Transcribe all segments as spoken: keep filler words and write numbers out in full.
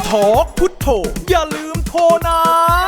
ทอกพุทโธอย่าลืมโทรนะ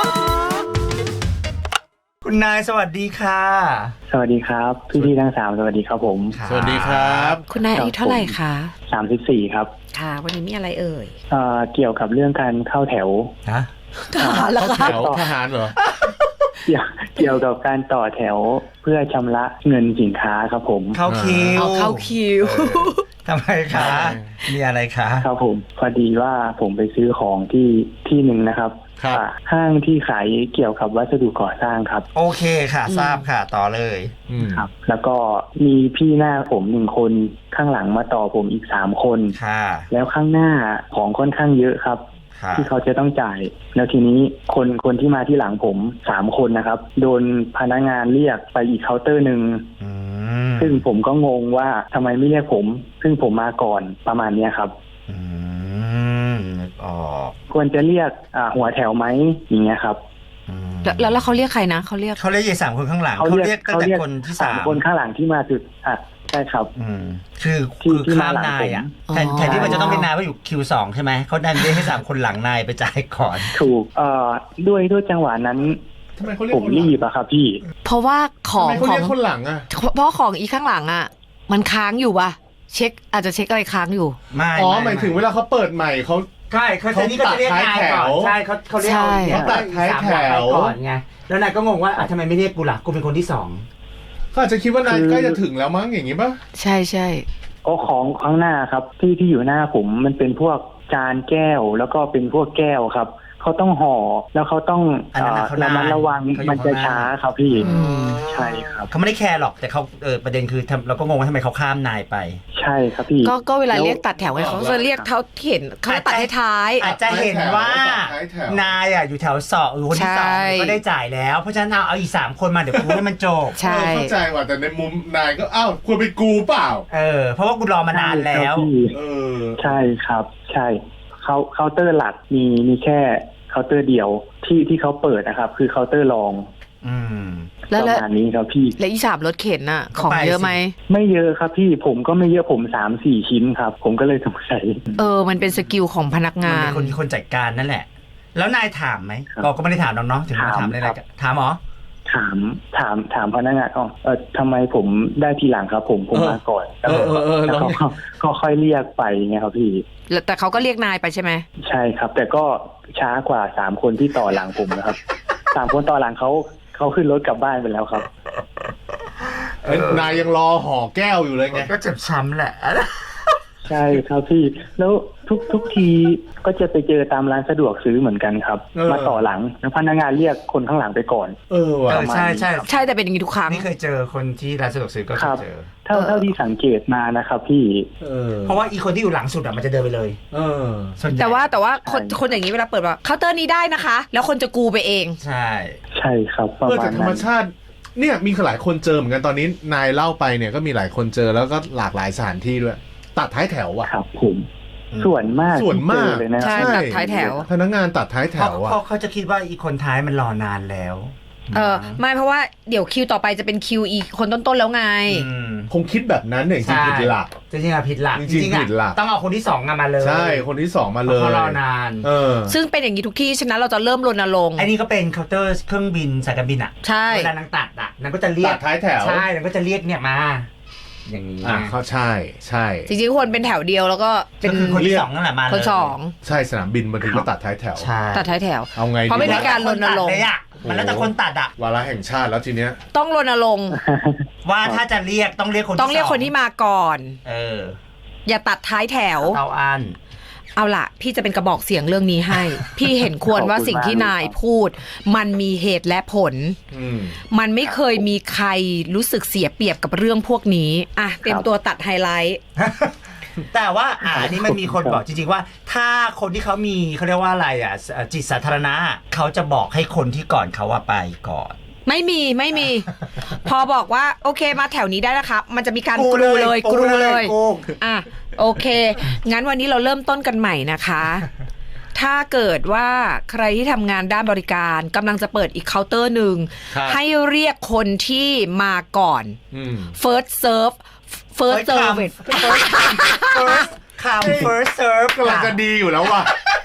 คุณนายสวัสดีค่ะสวัสดีครับพี่พี่ทั้งสามสวัสดีครับผมสวัสดีครับคุณนายอายุเท่าไหร่คะสามสิบสี่ครับค่ะวันนี้มีอะไรเอ่ยเอ่อเกี่ยวกับเรื่องการเข้าแถวฮะทหารเหรอคะทหารเหรอเกี่ยวเกี่ยวกับการต่อแถวเพื่อชำระเงินสินค้าครับผมเข้าคิวเข้าคิวทำไมคะมีอะไรคะครับผมพอดีว่าผมไปซื้อของที่ที่หนึ่งนะครับห้างที่ขายเกี่ยวกับวัสดุก่อสร้างครับโอเคค่ะทราบค่ะต่อเลยครับแล้วก็มีพี่หน้าผมหนึ่งคนข้างหลังมาต่อผมอีกสามคนค่ะแล้วข้างหน้าของค่อนข้างเยอะครับที่เขาจะต้องจ่ายแล้วทีนี้คนคนที่มาที่หลังผมสามคนนะครับโดนพนักงานเรียกไปอีกเคาน์เตอร์หนึ่งซึ่งผมก็งงว่าทำไมไม่เรียกผมซึ่งผมมาก่อนประมาณนี้ครับอืมอ๋อควรจะเรียกหัวแถวไหมอย่างเงี้ยครับแล้วแล้วเขาเรียกใครนะเขาเรียกเขาเรียกสามคนข้างหลังเขาเรียกตั้งแต่คนที่สามคนข้างหลังที่มาถึงอ่ะใช่ครับอืมคือคือข้ามนายอ่ะแทนแทนที่มันจะต้องเป็นนายว่าอยู่คิวสองใช่ไหมเขาดันเรียกให้สามคนหลังนายไปจ่ายก่อนถูกเอ่อด้วยด้วยจังหวะนั้นผมรีบอะครับพี่เพราะว่าของของคนหลังอะเพราะของอีข้างหลังอะมันค้างอยู่ป่ะเช็คอาจจะเช็คอะไรค้างอยู่ไม่อ๋อหมายถึงเวลาเขาเปิดใหม่เขาใช่เขาจะนี่ก็จะเรียกนายก่อนใช่เขาเขาเรียกเขาตัดท้ายแถวก่อนไงแล้วนายก็งงว่าทำไมไม่เรียกกูล่ะกูเป็นคนที่สองเขาอาจจะคิดว่านายใกล้จะถึงแล้วมั้งอย่างนี้ป่ะใช่ใช่ก็ของข้างหน้าครับที่ที่อยู่หน้าผมมันเป็นพวกจานแก้วแล้วก็เป็นพวกแก้วครับเขาต้องห่อแล้วเขาต้องระมัดระวังมันจะช้าครับพี่ใช่ครับเขาไม่ได้แคร์หรอกแต่เขาเออประเด็นคือเราก็งงว่าทำไมเขาข้ามนายไปใช่ครับพี่ก็ก็เวลาเรียกตัดแถวไงเขาจะเรียกเท่าเห็นเขาตัดให้ท้ายอาจจะเห็นว่านายอ่ะอยู่แถวสองหรือคนที่สองก็ได้จ่ายแล้วเพราะฉะนั้นเอาเอาอีกสามคนมาเดี๋ยวกูให้มันจบใช่เข้าใจว่าแต่ในมุมนายก็อ้าวควรเป็นกูเปล่าเออเพราะว่ากูรอมานานแล้วเออใช่ครับใช่เขาเคาน์เตอร์หลักมีมีแค่เคาน์เตอร์เดียวที่ที่เขาเปิดนะครับคือเคาน์เตอร์รองอืมแล้วประมาณนี้ครับพี่แล้วอีสามรถเข็นน่ะของเยอะไหมไม่เยอะครับพี่ผมก็ไม่เยอะผมสามสี่ชิ้นครับผมก็เลยสงสัยเออมันเป็นสกิลของพนักงานคนที่คนจัดการนั่นแหละแล้วนายถามไหมเราก็ไม่ได้ถามน้องๆถึงมาถามอะไรกันถามหรอถามถามถามพนักงานอ๋อเออทำไมผมได้ทีหลังครับผมผมมาก่อนแล้วเขาก็ค่อยเรียกไปไงครับพี่แต่เขาก็เรียกนายไปใช่ไหมใช่ครับแต่ก็ช้ากว่าสามคนที่ต่อหลังผมนะครับสามคนต่อหลังเขาเขาขึ้นรถกลับบ้านไปแล้วครับนายยังรอห่อแก้วอยู่เลยไงก็เจ็บช้ำแหละใช่ครับพี่แล้วทุกทุกทีก็จะไปเจอตามร้านสะดวกซื้อเหมือนกันครับมาต่อหลังแล้วพนักงานเรียกคนข้างหลังไปก่อนเออว่ะใช่ใช่ใช่แต่เป็นอย่างนี้ทุกครั้งนี่เคยเจอคนที่ร้านสะดวกซื้อก็เคยเจอเท่าเท่าที่สังเกตมานะครับพี่เพราะว่าอีคนที่อยู่หลังสุดอะมันจะเดินไปเลยเออแต่ว่าแต่ว่าคนคนอย่างนี้เวลาเปิดว่าเคาน์เตอร์นี้ได้นะคะแล้วคนจะกูไปเองใช่ใช่ครับประมาณนั้นเพื่อจากธรรมชาติเนี่ยมีหลายคนเจอเหมือนกันตอนนี้นายเล่าไปเนี่ยก็มีหลายคนเจอแล้วก็หลากหลายสถานที่ด้วยตัดท้ายแถวอ่ะครับผมส่วนมากส่วนมากเลยนะใช่ตัดท้ายแถวพนักงานตัดท้ายแถวอ่ะเขาเขาจะคิดว่าอีคนท้ายมันรอนานแล้วเออไม่เพราะว่าเดี๋ยวคิวต่อไปจะเป็นคิวอีคนต้นๆแล้วไงคงคิดแบบนั้นเนี่ยจริงผิดหลักจริงๆผิดหลักจริงผิดหลักต้องเอาคนที่สองมาเลยใช่คนที่สองมาเลยเขารอนานซึ่งเป็นอย่างนี้ทุกที่ฉะนั้นเราจะเริ่มรณรงค์ไอ้นี่ก็เป็นเคาน์เตอร์เครื่องบินสายการบินอ่ะใช่เวลานางตัดอ่ะนางก็จะเรียกตัดท้ายแถวใช่นางก็จะเรียกเนี่ยมาอย่างนี้อ่ะเขาใช่ใช่จริงๆควรเป็นแถวเดียวแล้วก็เป็นคนที่สองนั่นแหละมาเลยคนสองใช่สนามบินบางทีก็ตัดท้ายแถวตัดท้ายแถวเอาไงเพราะไม่มีการรณรงค์มันแล้วแต่คนตัดอ่ะวาระแห่งชาติแล้วทีเนี้ยต้องรณรงค์ว่าถ้าจะเรียกต้องเรียกคนต้องเรียกคนที่มาก่อนเอออย่าตัดท้ายแถวเอาอันเอาล่ะพี่จะเป็นกระบอกเสียงเรื่องนี้ให้ พี่เห็นควรว่าสิ่งที่นายพูดมันมีเหตุและผลมันไม่เคยมีใครรู้สึกเสียเปรียบกับเรื่องพวกนี้อ่ะเตรียมตัวตัดไฮไลท์แต่ว่าอ่าอันนี้มันมีคนบอกจริงๆว่าถ้าคนที่เขามีเขาเรียกว่าอะไรอ่ะจิตสาธารณะเขาจะบอกให้คนที่ก่อนเขาว่าไปก่อนไม่มีไม่มี พอบอกว่าโอเคมาแถวนี้ได้นะครับมันจะมีการกรูเลยกรูเลยอ่ะโอเคงั้นวันนี้เราเริ่มต้นกันใหม่นะคะถ้าเกิดว่าใครที่ทำงานด้านบริการกำลังจะเปิดอีกเคาน์เตอร์หนึ่งให้เรียกคนที่มาก่อน first serve first service first come first serve กำลังจะดีอยู่แล้วว่ะ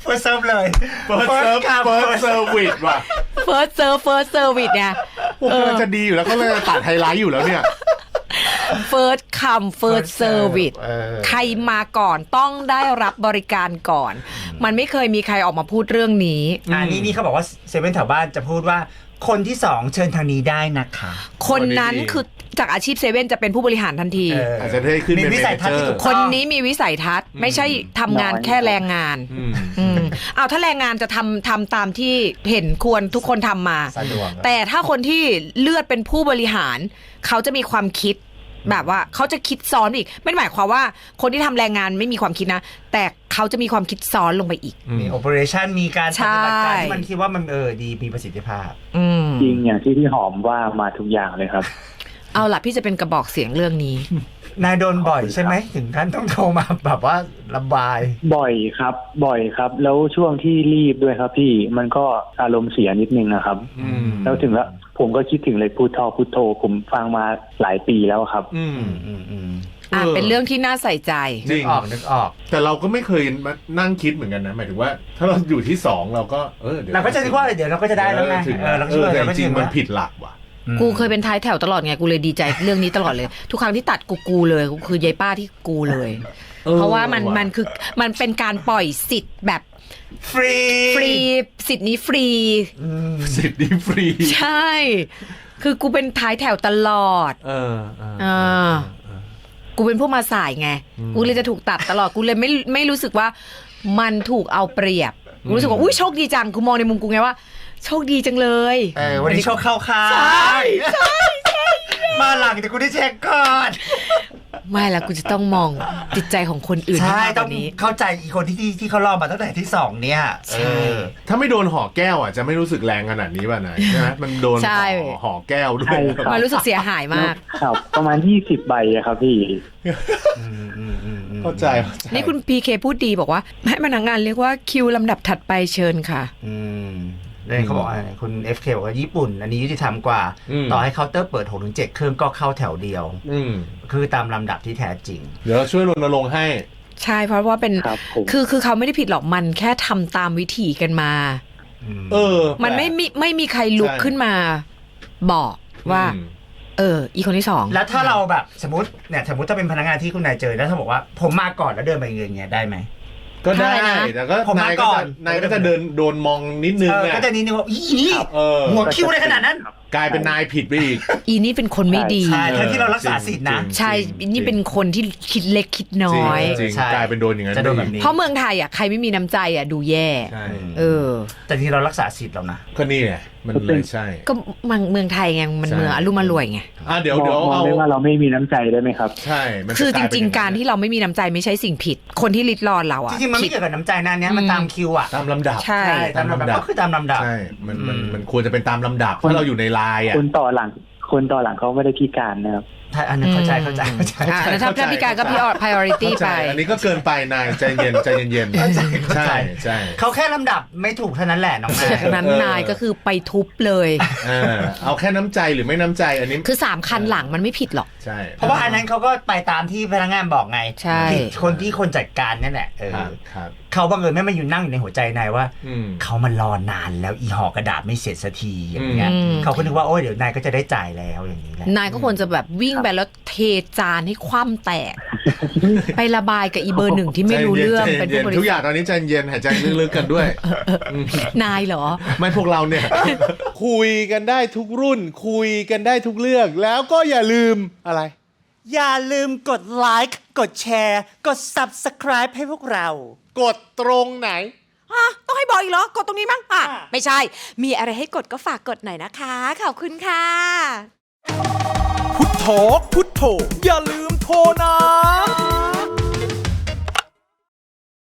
เฟิร์สเซิร์ฟเลยเฟิร์สเซิร์ฟเฟิร์สเซอร์วิสว่ะ first serve first service เนี่ยพวกกำลังจะดีอยู่แล้วก็เลยตัดไฮไลท์อยู่แล้วเนี่ย first come first service เออใครมาก่อนต้องได้รับบริการก่อน มันไม่เคยมีใครออกมาพูดเรื่องนี้อันนี้นี่เขาบอกว่าเซเว่นแถวบ้านจะพูดว่าคนที่สองเชิญทางนี้ได้นะคะคนนั้นดีๆคือจากอาชีพเซเว่นจะเป็นผู้บริหารทันทีเอออาจจะได้ขึ้นเป็นมีวิสัยทัศน์ที่ถูกคนนี้มีวิสัยทัศน์ไม่ใช่ทำงานแค่แรงงานอืมอืมเอาถ้าแรงงานจะทำทำตามที่เห็นควรทุกคนทำมาสะดวกแต่ถ้าคนที่เลือดเป็นผู้บริหาร เขาจะมีความคิดแบบว่าเขาจะคิดซ้อนอีก ไม่ได้หมายความว่าคนที่ทำแรงงานไม่มีความคิดนะ แต่เขาจะมีความคิดซ้อนลงไปอีกมีโอเปอเรชั่นมีการปใช่ฏิบัติการที่มันคิดว่ามันเออดีมีประสิทธิภาพอืมจริงอย่างที่พี่หอมว่ามาทุกอย่างเลยครับเอาล่ะพี่จะเป็นกระบอกเสียงเรื่องนี้นายโดนบ่อยใช่ไหมถึงขั้นต้องโทรมาแบบว่าระบายบ่อยครับ บ่อยครับ แล้วช่วงที่รีบด้วยครับพี่มันก็อารมณ์เสียนิดนึงนะครับอืมแล้วถึงแล้วผมก็คิดถึงเลยพุทโธพุทโธผมฟังมาหลายปีแล้วครับอืมอืมอืมอ่ะเป็นเรื่องที่น่าใส่ใจจรินึงกออกนึกออกแต่เราก็ไม่เคยมานั่งคิดเหมือนกันนะหมายถึงว่า ถ้าเราอยู่ที่สองเราก็เออดี๋ยวเราก็จะนึกว่าเดี๋ยวเราก็จะได้แล้วไงถึงเออเราก็เอเชื่ออแต่เราก็จริเชื่งอมันผิดหลักว่ะกูเคยเป็นท้ายแถวตลอดไงกูเลยดีใจเรื่องนี้ตลอดเลย ทุกครั้งที่ตัดกูกูเลยกูคือยายป้าที่กูเลยเออเพราะว่ามันว่ะมันคือมันเป็นการปล่อยสิทธิ์แบบฟรีฟรีสิทธิ์นี้ฟรีสิทธิ์นี้ฟรีใช่ คือกูเป็นท้ายแถวตลอดเออเอออ่า กูเป็นผู้มาสายไง กูเลยจะถูกตัดตลอด กูเลยไม่ไม่รู้สึกว่ามันถูกเอาเปรียบ กูรู้สึกว่า อุ้ยโชคดีจัง กูมองในมุมกูไงว่า โชคดีจังเลยเออวันนี้โชคเข้าค่ายใช่ใช่ใช่มาหลังแต่กูได้เช็คก่อนไม่ละกูจะต้องมองจิตใจของคนอื่นใช่ให้มากกต้องว่านี้เข้าใจอีกคนที่ที่ที่เขารอมาตั้งแต่ที่สองเนี่ยใช่เออถ้าไม่โดนห่อแก้วอ่ะจะไม่รู้สึกแรงขนาดนี้ป่ะนายใช่ไหมมันโดนใช่ห่อห่อแก้วด้วใช่ยครับมันรู้สึกเสียหายมากครับ ประมาณยี่สิบใบอะครับพี่อืมอืมอืมอืมเข้าใจเข้าใจนี่คุณพีเคพูดดีบอกว่าให้พนักงานเรียกว่าคิวลำดับถัดไปเชิญค่ะอืมเลยเขาบอกว่าคุณ เอฟ เค บอกว่าญี่ปุ่น อันนี้ยุติธรรมกว่า ต่อให้เคาน์เตอร์เปิด หกถึงเจ็ด เครื่องก็เข้าแถวเดียวอืมคือตามลำดับที่แท้จริงเดี๋ยวเราช่วยรณรงค์ให้ใช่เพราะว่าเป็นครับผมคือคือเขาไม่ได้ผิดหรอกมันแค่ทำตามวิธีกันมาเออมันไม่มีไม่มีใครลุกใช่ขึ้นมา บอกว่าอืมเออ อีคนที่สองแล้วถ้าเราแบบสมมติเนี่ยสมมติถ้าเป็นพนักงานที่คุณนายเจอแล้วถ้าบอกว่าผมมาก่อนแล้วเดินไปอย่างเงี้ยได้ไหมก็ได้ใช่นะแต่ก็ผมมานายก็ก่อจะนนายก็จะเดินโดนมองนิดนึงเอออ่ะก็จะนี้นึกว่าอีนี่เออหัวคิ้วได้ขนาดนั้นกลายเป็นนายผิดไปอีกอีนี่เป็นคนไม่ดีใช่ทั้งที่เรารักษาสิทธินะใช่อีนี่เป็นคนที่คิดเล็กคิดน้อยจริงใช่ๆกลายเป็นโดนอย่างนั้นจะโดนแบบนี้เพราะเมืองไทยอ่ะใครไม่มีน้ำใจอ่ะดูแย่ใช่เออแต่ที่เรารักษาสิทธิ์เรานะก็นี่ไงมันเลยใช่ก็เมืองเมืองไทยไงมันใช่เมืองอรุ่มอร่วยไงอ่ะเดี๋ยวมเดี๋ยวองมองเอาได้ว่าเราไม่มีน้ำใจได้ไหมครับใช่มันคือจกลยเป็นริง ๆ การที่เราไม่มีน้ำใจไม่ใช่สิ่งผิด คนที่ริดรอนเราจอ่ะริงๆมันผิไม่ดเกี่ยวกับน้ำใจนะเนี้ยมันตามคิวอ่ะตามลำดับใช่ตามลำดับก็คือตามลำดับใช่ มันมันอืมมันควรจะเป็นตามลำดับถ้าเราอยู่ในไลน์อ่ะคนต่อหลัง คนต่อหลังเขาไม่ได้พิการนะครับถ้าอันนั้นเข้าใจเข้าใจเข้าใจอ่าแล้วถ้าถ้าพิการก็ priority เข้าใจไปอันนี้ก็เกินไปนายใจเย็นใจเย็นเข้าใจๆใช่ใช่เขาแค่ลำดับไม่ถูกเท่านั้นแหละน้องแม่จากนั้นนายก็คือไปทุบเลยเออเอาแค่น้ำใจหรือไม่น้ำใจอันนี้คือสามคันหลังมันไม่ผิดหรอกใช่เพราะว่าอันนั้นเขาก็ไปตามที่พนักงานบอกไงใช่ผิดคนที่คนจัดการนั่นแหละเออครับครับเขาบังเอิญไม่มาอยู่นั่งอยู่ในหัวใจนายว่าอืมเขามารอนานแล้วอีห่อกระดาษไม่เสร็จสักทีอย่างเงี้ยอืมเขาก็นึกว่าโอ้ยเดี๋ยวนายก็จะได้จ่ายแล้วอย่างนี้แหละนายก็ควรจะแบบวิ่งไปแล้วเทจานให้คว่ำแตก ไประบายกับอีเบอร์หนึ่งที่ไม่รู้เรื่องใจเป็นย็ผู้บริทุกอย่าษังทตอนนี้ใจเย็นหายใจลึกๆกันด้วยมนายเหรอไม่พวกเราเนี่ย คุยกันได้ทุกรุ่น คุยกันได้ทุกเรื่อง แล้วก็อย่าลืมอะไรอย่าลืมกดไลค์กดแชร์ กด Subscribe ให้พวกเรากดตรงไหนฮะต้องให้บอกอีกเหรอ กดตรงนี้มั้งอ่ะอ่ะไม่ใช่ มีอะไรให้กดก็ฝากกดหน่อยนะคะ ขอบคุณค่ะพุทโธพุทโธอย่าลืมโทรนะ